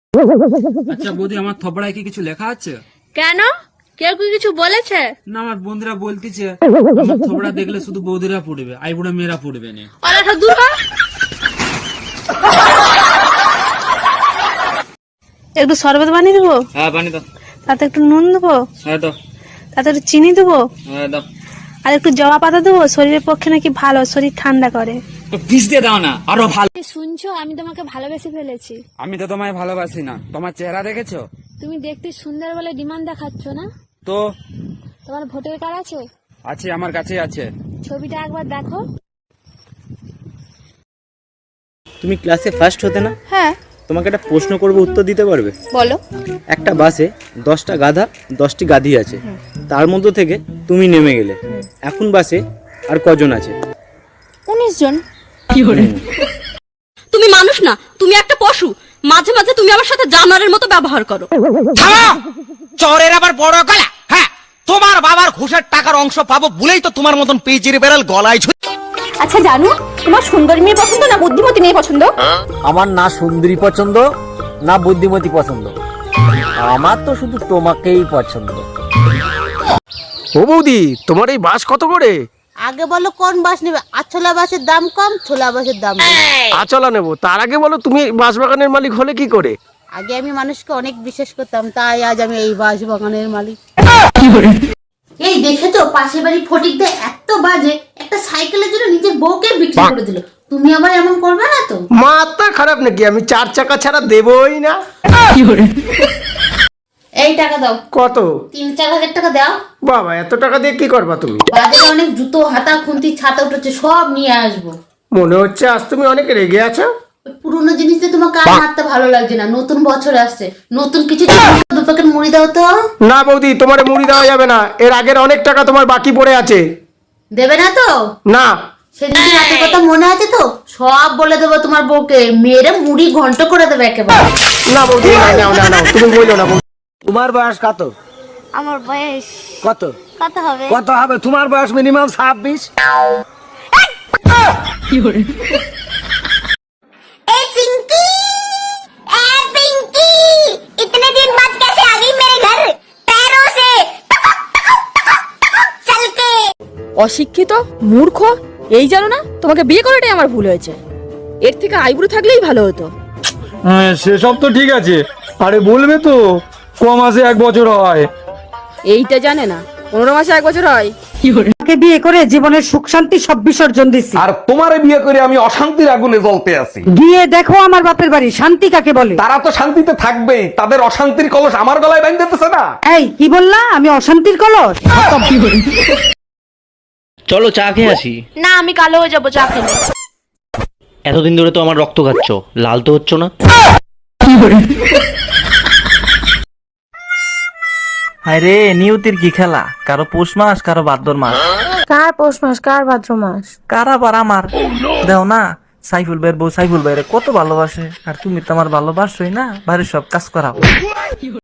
আচ্ছা বৌদি, আমার থপড়ায় কি কিছু লেখা আছে? কেন? কেউ কি কিছু বলেছে? না, আমার বন্ধুরা বলতেছে আমার থপড়া দেখলে শুধু বৌদিরা পড়বে, আইবুড়া মেয়েরা পড়বে না। ওরা সব দূর কর। একটু শরবত বানিয়ে দেবো? হ্যাঁ বানিয়ে দাও। তাতে একটু নুন দেবো? হ্যাঁ দাও। তাতে একটু চিনি দেবো? হ্যাঁ দাও। আর একটু জবা পাতা দেবো, শরীরের পক্ষে নাকি ভালো, শরীর ঠান্ডা করে। তো পিস দিয়ে দাও না, আরো ভালো। শুনছো, আমি তোমাকে ভালোবেসে ফেলেছি। আমি তো তোমায় ভালোবাসি না, তোমার চেহারা দেখেছো? তুমি দেখতে সুন্দর বলে ডিমান্ড দেখাচ্ছ না? তো তোমার ভোটার কার্ড আছে? আছে, আমার কাছে আছে। ছবিটা একবার দেখো। তুমি ক্লাসে ফার্স্ট হতে না? হ্যাঁ। তোমাকে একটা প্রশ্ন করব, উত্তর দিতে পারবে? বলো। একটা বাসে 10টা গাধা 10টি গাধি আছে, তার মধ্যে থেকে তুমি নেমে গেলে, এখন বাসে আর কজন আছে? 19 জন। তুমি মানুষ না, তুমি একটা পশু। মাঝে মাঝে তুমি আমার সাথে জানোয়ারের মতো ব্যবহার করো। চরের আবার বড় গলা। হ্যাঁ, তোমার বাবার ঘুষের টাকার অংশ পাবো বলেই তো তোমার মতন পেজির বেড়াল গলায় ঝুলে। আচ্ছা জানো, তোমার সুন্দরী মেয়ে পছন্দ না বুদ্ধিমতী মেয়ে পছন্দ? আমার না সুন্দরী পছন্দ না বুদ্ধিমতী পছন্দ, আমার তো শুধু তোমাকেই পছন্দ। ও বৌদি, তোমার এই বাস কত করে? আগে বলো কোন বাস নেবে? আছলা বাসের দাম কম, ছোলা বাসের দাম বেশি। আচলা নেবো, তার আগে বলো তুমি বাস বাগানের মালিক হলে কি করে? আগে আমি মানুষকে অনেক বিশ্বাস করতাম, তাই আজ আমি এই বাস বাগানের মালিক। এই দেখেছো, পাশের বাড়ি ফটিকদা এত বাজে, একটা সাইকেলের জন্য নিজের বউকে বিক্রি করে দিল। তুমি আবার এমন করবে না তো? মাথা খারাপ নাকি? আমি 4 চাকা ছাড়া দেবই না। এই টাকা দাও। কত? 3-4 হাজার টাকা দাও। বাবা, এত টাকা দিয়ে কি করবা তুমি? বাজারে অনেক জুতো, হাতা, খুন্তি, ছাতা উঠেছে, সব নিয়ে আসবো। মনে হচ্ছে আজ তুমি অনেক রেগে আছো। ওই পুরোনো জিনিস দিয়ে তোমাকে আর মারতে ভালো লাগছে না। নতুন বছর আসছে, নতুন কিছু 2 প্যাকেট মুড়ি দাও তো। না বৌদি, তোমার মুড়ি দেওয়া যাবে না, এর আগের অনেক টাকা তোমার বাকি পড়ে আছে। দেবে না তো? না। সেদিন রাতের কথা মনে আছে তো? সব বলে দেবো তোমার বউকে, মেয়েরা মুড়ি ঘন্ট করে দেবে একেবারে। না বৌদি, না, তুমি বললো না। তোমার বয়স কত? আমার বয়স কত কত হবে? কত হবে? তোমার বয়স মিনিমাম 26। অশিক্ষিত, মূর্খ, এই জানো না তোমাকে বিয়ে করাটাই আমার ভুল হয়েছে। এর থেকে আইবুড়ো থাকলেই ভালো হতো। হ্যাঁ, সেসব তো ঠিক আছে, আরে বলবে তো কমাসে 1 বছর হয়। এইটা জানে না 15 মাসে 1 বছর হয়। বিয়ে করে জীবনের সুখ শান্তি সব বিসর্জন দিছি, আর তোমারে বিয়ে করে আমি অশান্তির আগুনে জ্বলতে আছি। গিয়ে দেখো আমার বাপের বাড়ি, শান্তি কাকে বলে? তারা তো শান্তিতে থাকবেই, তাদের অশান্তির কলস আমার গলায় বাঁধতেছে না। এই কি বললা? আমি অশান্তির কলস? চলো চা খেয়ে আসি। না, আমি কালো হয়ে যাবো চা খেলে। এতদিন ধরে তো আমার রক্ত খাচ্ছ, লাল তো হচ্ছ না। আরে নিয়তির কি খেলা? কারো পৌষ মাস, কারো ভাদ্র মাস। কার পৌষ মাস, কার ভাদ্র মাস? কার আবার আমার। দেও না, সাইফুল ভাইয়ের বউ সাইফুল ভাইরে কত ভালোবাসে, আর তুমি তো আমার ভালোবাসোই না, বাড়ির সব কাজ করাও।